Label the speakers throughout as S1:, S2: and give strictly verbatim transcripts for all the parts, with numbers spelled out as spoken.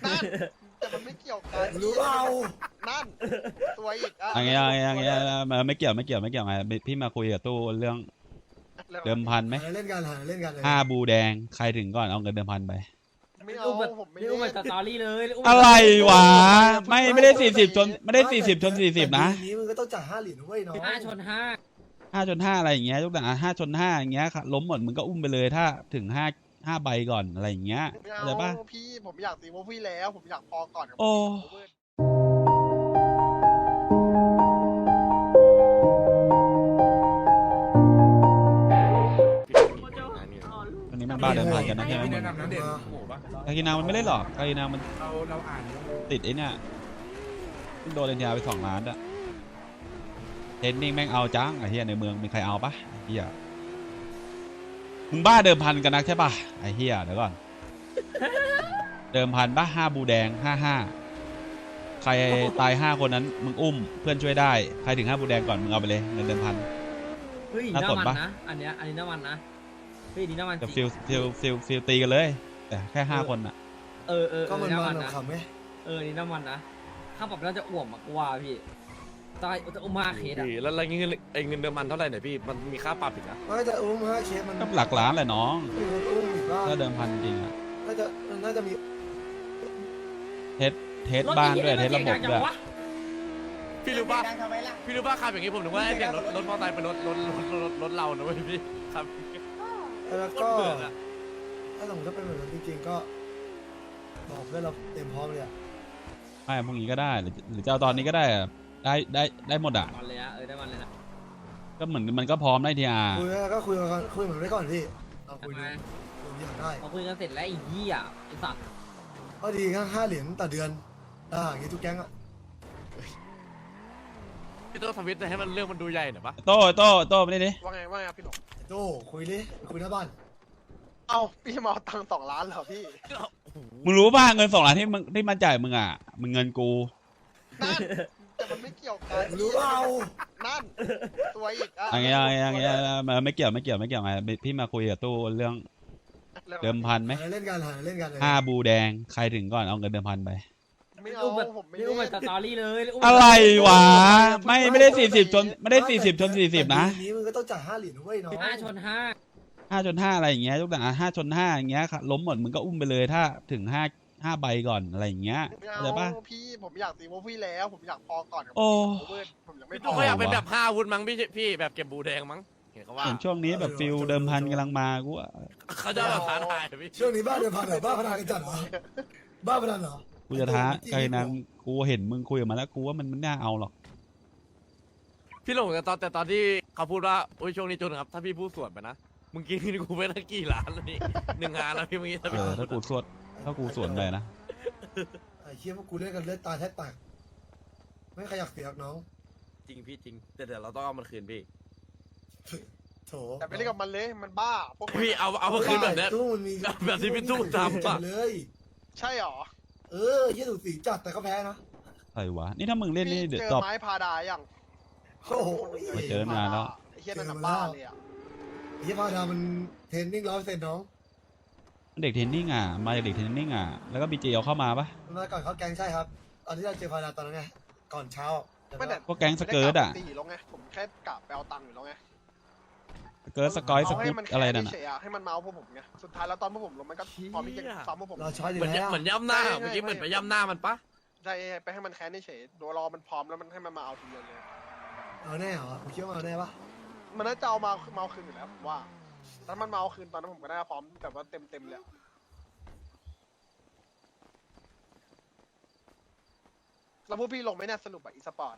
S1: นั่นแต่มันไม่เกี่ยวกัน
S2: รู้เปล่า
S1: นั่นตัวอีกอ่ะ
S3: อย่างเงี้ยอย่างเงี้ยอย่างเงี้ยไม่เกี่ยวไม่เกี่ยวไม่เกี่ยวไงพี่มาคุยกับตู้เรื่องเดิมพันไหม
S2: หาเล่นกันหาเล่นกันเลย
S3: ห้าบูแดงใครถึงก่อนเอาเงินเดิมพันไป
S1: ไม่เอาผมไม่
S4: นี่
S1: เล่
S4: อุ้ม
S1: น
S4: มาสตอรี่เลยอุ้ม
S3: อะไรวะไม่ไม่ได้สี่สิบจนไม่ได้สี่สิบจนสี่สิบนะ
S2: นี้มึงก็ต้องจ่ายห้าเหรียญนะเว้ยน้อง
S4: ห้าชนห้า
S3: ห้าจนห้าอะไรอย่างเงี้ยยกตัวอย่างห้าจนห้าอย่างเงี้ยล้มหมดมึงก็อุ้มไปเลยถ้าถึงห้าห้าใบก่อนอะไรอย่างเงี้ย
S1: ไม่
S3: เข้าใจปะ
S1: เอาพี่ผมอยากตีโมพี่แล้วผมอยากพอก่อนกับ
S3: โอ้ วันนี้มันบ้าเดิมพันกันนะใช่ไหมมึง
S5: แนะนำนะเด่นหมูปะ
S3: กากินามันไม่เล่นหรอกกากินามัน
S5: เราเราอ่าน
S3: ติดไอ้เนี่ยโดนเลนยาไปสองล้านอะเทนนิ่งแม่งเอาจังไอ้เหี้ยในเมืองมีใครเอาปะไอ้เหี้ยมึงบ้าเดิมพันกันนักใช่ปะไอ้เหี้ยเดี๋ยวก่อนเดิมพันปะห้าบูแดงห้าห้าใครตายห้าคนนั้นมึงอุ้มเพื่อนช่วยได้ใครถึงห้าบูแดงก่อนมึงเอาไปเลยเงินเดิมพัน
S4: เฮ้ย
S3: น่า
S4: น้ำ
S3: สน
S4: มัน
S3: ปะ
S4: นะอันเนี้ยอันนี้น้ำมันนะเฮ้ยนี่น้ำมัน
S3: แต่
S4: จริ
S3: ฟิ
S4: ง
S3: ลฟิลฟิลฟิลตีกันเลย แต่แค่ห้าคนอะ
S4: เออเออเอ
S2: ก็
S4: อ
S2: มัน
S4: น้ำ
S2: มั
S4: มัน นนะ
S2: ขำไหม
S4: เออนี่น้ำมันนะข้าปรับน่าจะอ้วมมากกว่าพี่ตายจะอุ้มมาเคสอะ
S6: พี่แล้วอะไรเงี้ยไอ้เงินเดือนมันเท่าไหร่เนี่ยพี่มันมีค่าปรับอีกนะ
S2: ไม่แต่อุ้มห้าเคสมัน
S3: ก็หลักล้านแหละน้อง
S2: อุ้มอีกบ้าง
S3: ถ้าเดิมพันจริงอะ
S2: น่าจะน่าจะมี
S3: เทสเทสบ้านด้วยเทสระบบด้วย
S6: พี่รู้ป่ะพี่รู้ป่ะขับอย่างงี้ผมนึกว่าไอ้เสียงรถรถมอเตอร์ไซค์เป็นรถรถรถรถรถเรานะเว้ยพี่ครับ
S2: แล้ว
S6: โค
S2: ก็
S6: ตรเบื่ออะ
S2: ถ้าสมมติถ้าเป็นแบบนั้นจริงๆก็บอกเพื่อนเราเต็มพร้อมเลยอ่ะ
S3: ไม่พรุ่งนี้ก็ได้หรือหรือจะเอาตอนนี้ก็ได้อะได้ได้ได้หมดอ่ะ
S4: มันเลยนะเออได้มันเลยนะ
S3: ก็เหมือนมันก็พร้อมได้ทีอา
S2: คุยแล้วก็คุยกันคุยเหมือนไว้ก่อนพี่เราคุยดูผมอยากได้
S4: พอคุยกันเสร็จแล้วไอ้เหี้ยไอ้สัตว์
S2: ก็ดีงั้นห้าเหรียญต่อเดือนอ่าอย่างงี้ทุกแก๊งอ่ะ
S6: พี่ต้องทวิตให้มันเรื่องมันดูใหญ่หน่อยปะ
S3: โต้โต้โต้ไม่ได้ดิ
S1: ว่าไงว่าไงครับพี่หลง
S2: โจ้คุยดิคุยหน้าบ้าน
S1: เอ้าพี่มาเอาตังค์สองล้านเหรอพี่
S3: มึงรู้ป่ะเงินสองล้านที่มึงที่มันจ่ายมึงอ่ะมึงเงินกู
S1: นั่นแต่มันไม่เกี่ยวกัน
S2: รู้เปล่า
S1: นั่นตัวอีกอ่ะ
S3: อย่างเงี้ยอย่างเงี้ยไม่เกี่ยวไม่เกี่ยวไม่เกี่ยวไงพี่มาคุยกับตู้เรื่องเดิมพันไหม
S2: หาเล่นกันหาเล่นกันเลย
S3: ห้าบูแดงใครถึงก่อนเอาเงินเดิมพันไป
S1: ไม่เอา
S4: อุ้มมา
S1: ผมไม่
S4: นี่
S1: เล่
S4: อุ้มมาน สตอรี่เลยอุ้มมา
S3: อะไรวะไม่ไม่ได้สี่สิบจนไม่ได้สี่สิบจนสี่สิบนะ
S2: นี้มึงก็ต้องจ่ายห้าเหรียญนะเว้ยน้อง
S4: ห้าชนห้า
S3: ห้าจนห้าอะไรอย่างเงี้ยยกตัวอย่างห้าจนห้าอย่างเงี้ยล้มหมดมึงก็อุ้มไปเลยถ้าถึงห้าห้าใบก่อนอะไรอย่างเงี้ย
S1: ไม่
S3: เข้าใจปะ
S1: เอาพี่ผมอยากตีโมพี่แล้วผมอยากพอก่อนกับ
S3: โอ้
S1: เพื่อนผมยังไม่
S6: พี่
S1: พ
S6: ตู้
S1: อ
S6: เขาอยากเป็นแบบห้าอาวุธมั้งพี่พี่แบบเก็บบูแดงมั้งเห็นเขาว่า
S3: เห็นช่วงนี้แบบฟิลเดิมพันกำลังมากูว่า
S6: เขาจะแบบท้าทายพี่
S2: ช่วงนี้บ้าเดินผ่านเหรอบ้าพนันกันจัดเหรอบ้าพนันเหรอ
S3: กูจะท้าใครนั้นกูเห็นมึงคุยกับมันแล้วกูว่ามันไม่น่าเอาหรอก
S6: พี่หลงแต่ตอนแต่ตอนที่เขาพูดว่าโอ้ยช่วงนี้จนครับถ้าพี่พูดสวนไปนะมึงกินกูไปตั้งกี่ล้านแล้วนี่หนึ่งงานแล้วพี่เมื่อกี้ถ้า
S3: เอ
S6: พี่
S3: อถ้ากูสวดถ้ากูสวนไปนะ
S2: ไอ้เชี่ยพวกกูเล่นกันเลือดตาแทบแตกไม่ขยักเสียกน้อง
S6: จริงพี่จริงแต่เดี๋ยวเราต้องเอามันคืนพี่
S2: โถ
S1: แต่ไม่เล่นกับมันเลยมันบ้าพวกมัน
S6: พี่เอาเอามาคืนแบบเนี้ย
S2: ตู้มันมี
S6: แบบที่พี่ตู้ทำอะ
S2: เลย
S1: ใช่หรอ
S2: เออเยี่ยถูกสีจัดแต่ก็แพ้นะ
S3: ใครวะนี่ถ้ามึงเล่นนี่
S1: พี่
S3: เดี๋ยว
S1: เจ
S3: ตอ
S1: อบ ไม้พาดาอย่าง
S2: โอ้โห
S3: มาเจอนานแล้ว
S1: ไอ้เฮียนั่นน่ะบ้าเลยอ่ะ
S2: ไอ้เหี้ยพาดามันเทรนนิ่งร้อยเปอร์เซ็นต์น้อง
S3: เด็กเทรนนิ่งอ่ะมาจากเด็กเทรนนิ่งอ่ะแล้วก็บีเจเอาเข้ามาปะ
S2: มันมาก่อนเขาแกงใช่ครับตอนที่เราเจอพาดาตอนนั้นไงก่อนเช้า
S1: ไม่แต่
S3: พวกแก๊งสเกิร์ตอ่ะ
S1: ตีแล้วไงผมแค่กลับไปเอาตังค์อยู่แล้วไง
S3: สเกิร์ตสกอยส
S1: เอาให้
S3: กุต
S1: มัน
S3: อะไรนั่น
S1: เฉ
S3: อ่ะ
S1: ยๆให้มันเมาพวกผมไงสุดท้ายแล้วตอนพวกผมลงมันก็พร้อมที่จะซ้ำพวกผม
S2: เราช้อยอยู่
S6: เหมือน
S2: แล้ว
S6: เหมือนย่ำหน้าเมื่อกี้เหมือนไปย่ำหน้ามันปะ
S1: ใช่ไปให้มันแค้นเฉยๆโดยรอมันพร้อมแล้วมันให้มันมาเอาทีเดียวเลย
S2: เอาแน่เหรอผมคิดว่าเอาแน่ปะ
S1: มันน่าจะเอามาเมาคืนอยู่แล้วผมว่าถ้ามันเมาคืนตอนนั้นผมก็น่าจะพร้อมแบบว่าเต็มเต็มๆเลยอะแล้วพวกพี่ลงไหมเนี่ยสรุปอะอีสปอร์ตอะ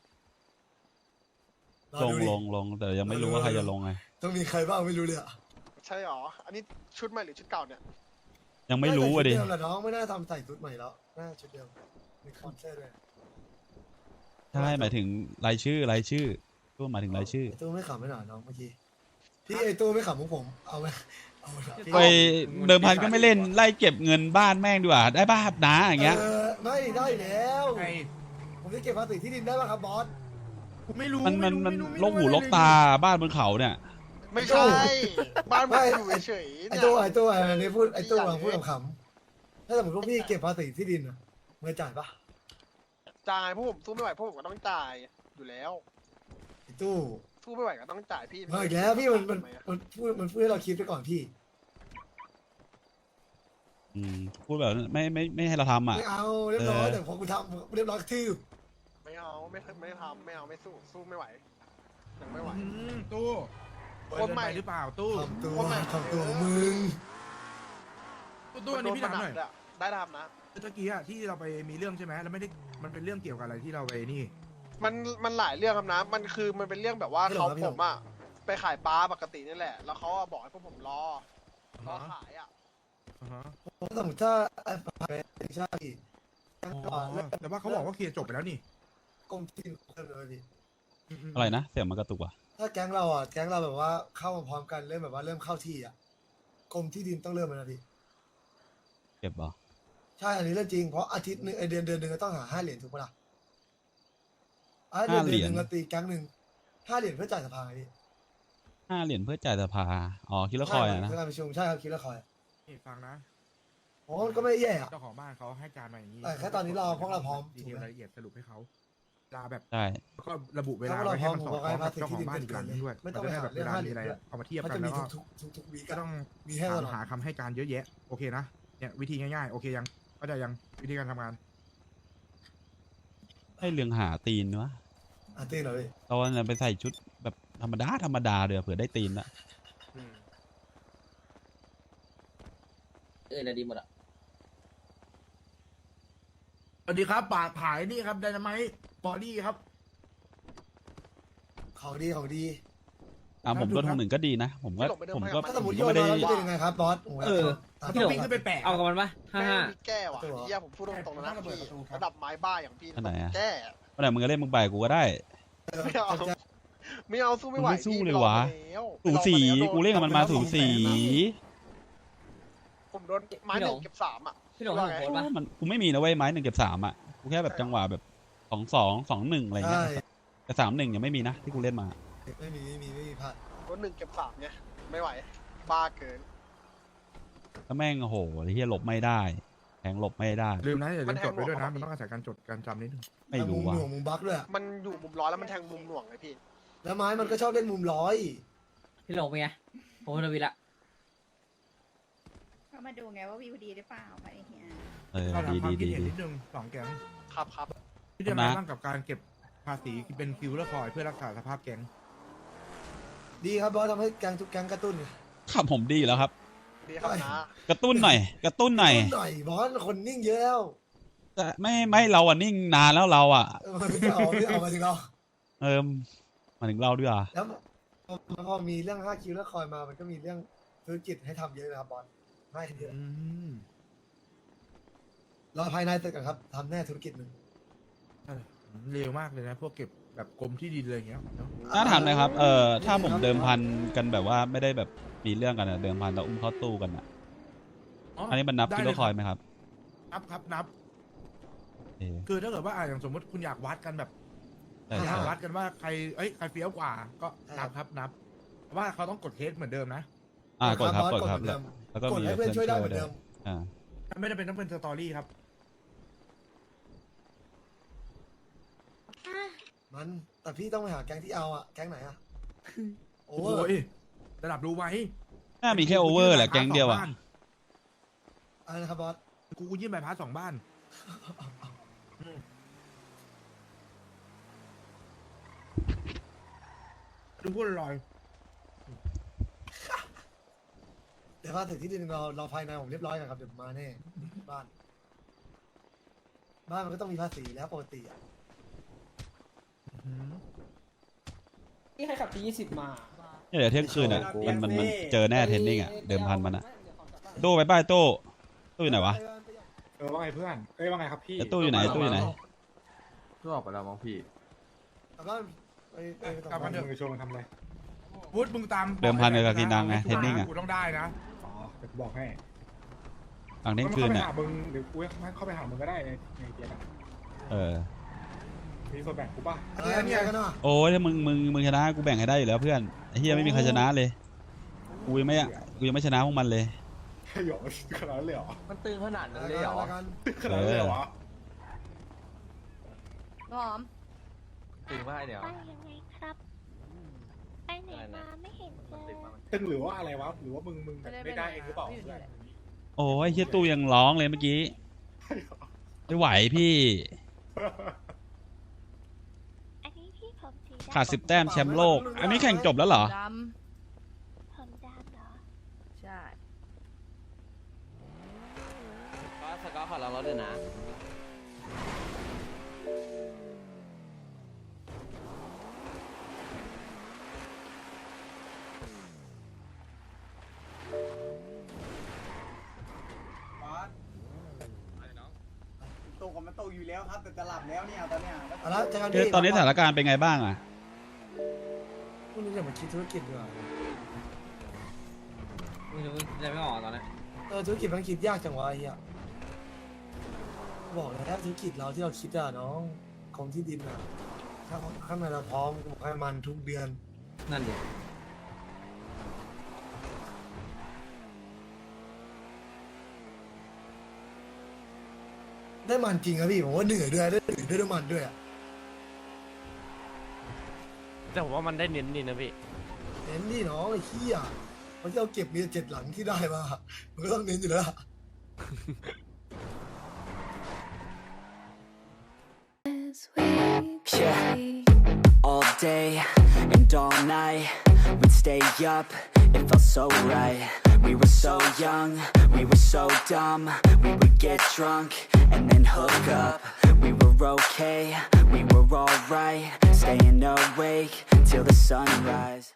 S2: รอ
S3: ลง
S2: ดูดิ
S3: ลงลงแต่ยังไม่รู้ว่าใครจะลงไง
S2: ต้องมีใครบ้างไม่รู้เลยอะ
S1: ใช่หรออันนี้ชุดใหม่หรือชุดเก่าเนี่ย
S3: ยังไม่รู้อ่ะดิ
S2: น่าจะชุเมแหละน้องไม่น่าทำใส่ชุดใหม่แล้วน่าจะชุดเดิมมีคอนเสิร์ตด้วย
S3: ใช่หมายถึงรายชื่อรายชื่อตู้หมายถึงรายชื่อ
S2: ไอ้ตู้ไม่ขำไม่หน่อยน้องเมื่อกี้พี่ไอ้ตู้ไม่ขำพวกผมเอาไหมเอาไหมพี่
S3: ไปเดิมพันก็ไม่เล่นไล่เก็บเงินบ้านแม่งดีกว่าได้บ้านาอย่างเงี้ย
S2: เออไม่ได้แล้ว
S5: ไอ้
S2: ผมจะเก็บภาษีที่ดินได้ป่ะครับบอส
S5: ไม่รู้
S3: มันมันมันลกหูลกตาบ้านบนเขาเนี่ย
S1: ไม่ใช่บ้านผมอยู่เฉยๆ
S2: ไอ้
S1: เนี่ย
S2: ตู้ไอ้ตู้ไอ้นี่พูดไอ้ตู้กำลังพูดขำถ้าสมมติพวกพี่เก็บภาษีที่ดินอะเงินจ่ายปะ
S1: จ่ายพวกผมสู้ไม่ไหวพวกผมก็ต้องจ่ายอยู่แล้ว
S2: ไอ้ตู้
S1: สู้ไม่ไหวก็ต้องจ่ายพี่
S2: มาอีกแล้วพี่มันมัน
S1: ทำไอะ
S2: มันพูดมันพูดให้เราคิดไปก่อนพี่
S3: อืมพูดแบบไม่ไม่ไม่ให้เราทำอ่ะ
S2: ไม่เอาเรียบร้อย
S3: เออ
S2: แต่พอกูทำเรียบร้อยทื่อ
S1: ไม่เอาไม่ไม่ทำไม่เอาไม่สู้สู้ไม่ไหวยังไม่ไหว
S5: อืมตู้
S1: คนใหม่
S5: เกิไปหรือเปล่าตู้
S2: ทำตัว
S1: คนใหม่
S2: ทำตัวมึง
S5: ตู้ตู้อันนี้พี่ถามหน่อย
S1: โดะได้ทำนะ
S5: เมื่อกี้อะที่เราไปมีเรื่องใช่ไหมแล้วไม่ได้มันเป็นเรื่องเกี่ยวกับอะไรที่เราไปนี่
S1: มันมันหลายเรื่องครับนะ มันคือมันเป็นเรื่องแบบว่าเขาผมอะไปขายปลาปกตินี่แหละ แล้วเขาอะบอกให้พวกผมรอรอขายอะ
S5: อ่าฮะ
S2: สมมติถ้าไอ้ฝ่ายเป็นชาติตั้ง
S5: อ๋
S2: ก่อน
S5: อแต่ว่าเขาบอกว่าเคลียร์จบไปแล้วนี่
S2: กรมที่ดินเพิ่มเลยพี่
S5: มๆ
S3: อะไรนะเสียงมันกระตุกว่ะ
S2: ถ้าแก๊งเราอ่ะแก๊งเราแบบว่าเข้ามาพร้อมกันเริ่มแบบว่าเริ่มเข้าที่อ่ะกรมที่ดินต้องเริ่มแล้วนะพี่
S3: เก็บเหรอ
S2: ใช่อันนี้เรื่องจริงเพราะอาทิตย์หนึงไอเดือนเดือนหนึ่งก็ต้องหาห้าเหรียญถูกปะล่ะอ่ะเดือนเดือนหนึ่งเราตีแก๊งหนึ่งห้าเหรียญเพื่อจ่ายสภาไงพี่
S3: ห้าเหรียญเพื่อจ่ายสภาอ๋อคิดละคอยอะนะ
S2: เพื่อการประชุมใช่ครับคิดละคอย
S5: นี่ฟังนะ
S2: โอ้มันก็ไม่แย่อะ
S5: เจ้าของบ้านเขาให้การมาอย่างนี้
S2: แต่แค่ตอนนี้เราพวกเราพร้อม
S5: ดีเทลรายละเอียดสรุปให้เขาเวลาแบบ
S3: ใช่
S5: แล้วก็ระบุเวลา
S2: ถ้าเรา
S5: ไว้
S2: พร้
S5: ให้
S2: อม
S5: มัน
S2: ผม
S5: สอด
S2: ก็
S5: คล้
S2: ให้
S5: อง
S2: ภา
S5: กับ
S2: ษี
S5: เจ้า
S2: ที่
S5: ของ
S2: ดิน
S5: บ้าน
S2: เกิ
S5: อี
S2: น
S5: กหลัง
S2: เลย
S5: นึงด้วย
S2: ไม่
S5: มัน
S2: ต้อง
S5: จะ
S2: ไป
S5: ได้
S2: หา
S5: แบบ
S2: เรื่
S5: เว
S2: อง
S5: ลา
S2: ห้าเห
S5: มี
S2: รียญ
S5: อะไร
S2: ด้วย
S5: เอามาเทียบ
S2: มัน
S5: กั
S2: จะ
S5: น
S2: มี
S5: แล้วก็
S2: ทุกๆมีให้
S5: หา
S2: ตลอด
S5: หาคำให้การเยอะแยะโอเคนะเนี่ยวิธีง่ายๆโอเคยังเข้าใจยังวิธีการทำงาน
S3: ให้เรื่องหาตีนวะ
S2: อ่ะตีเหรอพี่
S3: ตอนนั้นไปใส่ชุดแบบธรรมดาธรรมดาเดี๋ยวเผื่อได้ตีนละ
S4: เออดีหมดอ่ะ
S5: สวัสดีครับปากผายนี่ครับไดนาไมต์บอดี้ครับ
S2: ของดีของดี
S3: อ่ะผมลดทางหนึ่งก็ดีนะ ผมก็ผมก็
S2: ถ้าสม
S3: ผม ม
S2: ติโย
S3: ก็
S2: น
S3: ไม่ได้
S2: มาแล้วจะเป็นยังไงครับบอสโโห
S4: เออ
S2: ตาม
S5: ต้
S2: ตั
S5: อง
S2: ว
S5: วิ่งขึ้นไปแปะ
S4: เอากับมันปะห้า
S1: แม่
S4: ห้า
S1: งมีแก้ว่ะ
S2: ตัว
S1: เฮียผมพูดตรงๆนะ
S5: ระเบิดประตูครับ
S1: ระดับไม้บ้าอย่างพี่
S3: อันไหนอะ
S1: แก้
S3: วันไหนมึงก็เล่นมึงไปกูก็ได้
S1: ไม่เอาไม่เอาสู้ไม่ไหว
S3: มึงไม่สู้
S1: พี่
S3: เลยวะ
S1: ลองมาแล้
S3: สูสี
S1: ลองมาแล้ว
S3: กูเล่นกับมันมาสูสี
S1: ผมโดนไม้หนึ่งเก็บสามอ่ะ
S4: พี่หลงของโพสต์ปะ
S3: มันกูไม่มีนะเว้ยไม้หนึ่งเก็บสามอ่ะกูแค่แบบจังหวะแบบสองสองสองหนึ่งอะไรเงี้
S2: ใช่
S3: ยแต่สามหนึ่งยังไม่มีนะที่กูเล่นมา
S2: ไม่มีไม่มีไม่มีพลาด
S1: โดนหนึ่งเก็บสามไงไม่ไหวบ้าเกิน
S3: แล้วแม่งโอ้โหไอ้เฮียหลบไม่ได้แทงหลบไม่ได้
S5: ลืมนะอย่าลืมจดไว้ด้วยนะ
S1: มันแทงหัว
S5: มันต้องอาศัยการจดการจำนิดนึง
S3: ไม่รู้
S2: มุม
S3: ว่ะ
S2: หน่วงมุมบักด้วยอะ
S1: มันอยู่มุมร้อยแล้วมันแทงมุมหน่วงเลยพี่
S2: แล้วไม้มันก็ชอบเล่นมุมร้อย
S4: พี่หลงเป็นไงผมเป็นวิละ
S7: ก็มาดูไงว่าวิวดีหรือเปล่าไปเฮีย
S3: เออ
S5: ก็
S3: ดี
S5: ทำความ
S3: ดี
S5: คิด
S3: ดี
S5: เห็น
S3: ดี
S5: นิดนึงสองแก๊ง
S1: ครับครับ
S5: ที่จะมา
S3: นะ
S5: บ้างกับการเก็บภาษีเป็นคิวเลอร์คอยเพื่อรักษาสภาพแก๊ง
S2: ดีครับบอสทำให้แก๊งทุกแก๊งกระตุ้นไง
S3: ครับผมดีแล้วครับ
S1: ดีครับนะ
S3: กระตุ้นหน่อย กระตุ้นหน่อย
S2: กระตุ้หน่อยบอสคนนิ่งเยอะแล้ว
S3: แต่ไม่ไม่เราอ่ะนิ่งนานแล้วเราอ่ะ
S2: เออไม่เอาไม่เอามาถึงเรา
S3: เออมาถึงเราด้วยอ่ะ
S2: แล้วพอพอมีเรื่องห้าคิวแล้วคอยมามันก็มีเรื่องธุรกิจให้ทำเยอะนะครับบอสให้เยอะ
S5: อืม
S2: รอภายในเสร็จก่อนครับทำแน่ธุรกิจหนึ่ง
S5: เร็วมากเลยนะ พวกเก็บแบบกรมที่ดินอะไรอย่างเงี้ยเนอะ
S3: น่าถามเลยครับ เออถ้าผมเดิมพันกันแบบว่าไม่ได้แบบมีเรื่องกันอะเดิมพันแล้วอุ้มเข้าตู้กันอะอันนี้มันนับ
S5: ได้
S3: กิ
S5: เล
S3: โลคอยไหมครับ
S5: นับครับนับ
S3: เออ
S5: คือถ้าเกิดว่าอ่ะอย่างสมมติคุณอยากวัดกันแบบ
S3: ใช่
S5: อยา
S3: ใช่
S5: กวัดกันว่าใครเอ้ยใครเฟี้ยวกว่า ก็นับครับนับแต่ว่าเขาต้องกดเทสเหมือนเดิมนะ
S3: อ่ากดครับ
S2: อส
S3: กดครับ
S2: เหมือนเดิม
S3: แล้วก็
S2: กด
S3: มี
S2: ให้เพื่อนช่วยได้เหมือนเดิม
S3: อ่า
S5: ไม่ได้เป็นต้องเป็นสตอรี่ครับ
S2: มันแต่พี่ต้องไปหาแก๊งที่เอาอะแก๊งไหนอะโอ
S5: โอ้
S2: เวอร์
S5: ยระดับรู้ไหม
S3: น่ามีแค่โอเวอร์แหละแก๊งเดียวอะ
S2: อะไรนะครับบอส
S5: กูกูยื่นใบพัดสองบ้านดูพูดลอย
S2: เดี๋ยวพาถึงที่ดินเราเราภายในผมเรียบร้อยนะครับเดี๋ยวผมมาแน่บ้าน บ้านมันก็ต้องมีภาษีแล้วปกติอะ
S8: นี่ใครขับทียี่สิบมา
S3: เนี่ยเดี๋ยวเที่ยงคืนอ่ะมันมันมันเจอแน่เทรนนิ่งอ่ะเดิมพันมันอ่ะตู้ไปป้ายตู้ตู้อยู่ไหนวะ
S9: เออว่าไงเพื่อน เอ้ยว่าไงครับพี่
S3: ไอ้ตู้อยู่ไหนตู้อยู่ไหน
S9: ตู้ออกไปแล้วมั้งพี่
S2: กลับบ้านไปไปไป
S5: กลับมาเถอะ
S9: มึงชวนมันทำอะไร
S5: พุทธมึงตาม
S3: เดิมพันกับกินดังไงเทรนนิ่งอะ
S5: กูต้องได้นะ
S9: อ๋อ เดี๋ยวกูบอกให้
S3: หลังเที่ยงคืน
S9: เข้าไป
S3: อ่ะ
S9: หามึงเดี๋ยวกูเข้าไปหามึงก็ได้ในในเกียร์อะ
S3: เออ
S9: มีส่วนแบ่งกูป่ะ
S2: อะไรเนี่ยกันเนาะ
S3: โอ้ยถ้ามึงมึงมึงชนะกูแบ่งให้ได้อยู่แล้วเพื่อนไอ้เฮียไม่มีใครชนะเลยกูยังไม่กูยังไม่ชนะพวกมันเลย
S9: ใช่หรอขนาดนั้นเลยเหรอ
S6: มันตึงขนาดนั้น
S2: อะไร
S6: เลยเหรอ
S2: กัน
S9: ขนาดนั้นเลยเหรอ
S7: หอม
S6: ตึงมากเนี่ย
S10: ไปยังไงครับ ไปไหนมาไม่เห็นเจอ
S9: ตึงหรือว่าอะไรวะหรือว่ามึงมึงแบบไม่ได้เองหรือเปล่า
S3: โอ้ยเฮียตู้ยังร้องเลยเมื่อกี้ไม่ไหวพี่
S10: อันนี้พี่ผมสีดำ
S3: ขาดสิบแต้มแชมป์โลก อันนี้แข่งจบแล้วเหรอ
S7: ด
S10: ผมดำเหรอ
S7: ำใช่
S6: ก็สกอตขอลองรถด้วยนะ
S8: ตกมันตกอยู่แล้วครับแต่จะหลับแล้วเนี่ยตอนเนี้ย
S2: เอาละเจอกัน
S3: คือตอนนี้สถานการณ์เป็นไงบ้างอ่ะ
S2: พรุ่งนี้จะมาคิดธุรกิจดีกว่า
S4: มึงจะจะไม่ออกตอนนี้
S2: เออธุรกิจมันคิดยากจังวะไอ้เหี้ยบอกแล้วธุรกิจเราที่เราคิดอะน้องของที่ดินอะถ้าข้างในเราพร้อมก็บอกให้มันทุกเดือน
S4: นั่นดิ
S2: ได้มันจริงครับพี่ผมว่าเหนื่อยด้วยได้เหนื่อยด้วยน้ำมันด้วยอะ
S6: แต่ผมว่ามันได้เน้นดีนะพี่
S2: เน้นดิน้องไอ้เหี้ยเพราะที่เราเก็บมีเจ็ดหลังที่ได้มามันก็ต้องเน้นอยู่แล้วล่ะ
S11: Yeah, all day and all night we'd stay up, it felt so right. We were so young, we were so dumb. We would get drunk and then hook up. We were okay, we were alright, staying awake till the sunrise.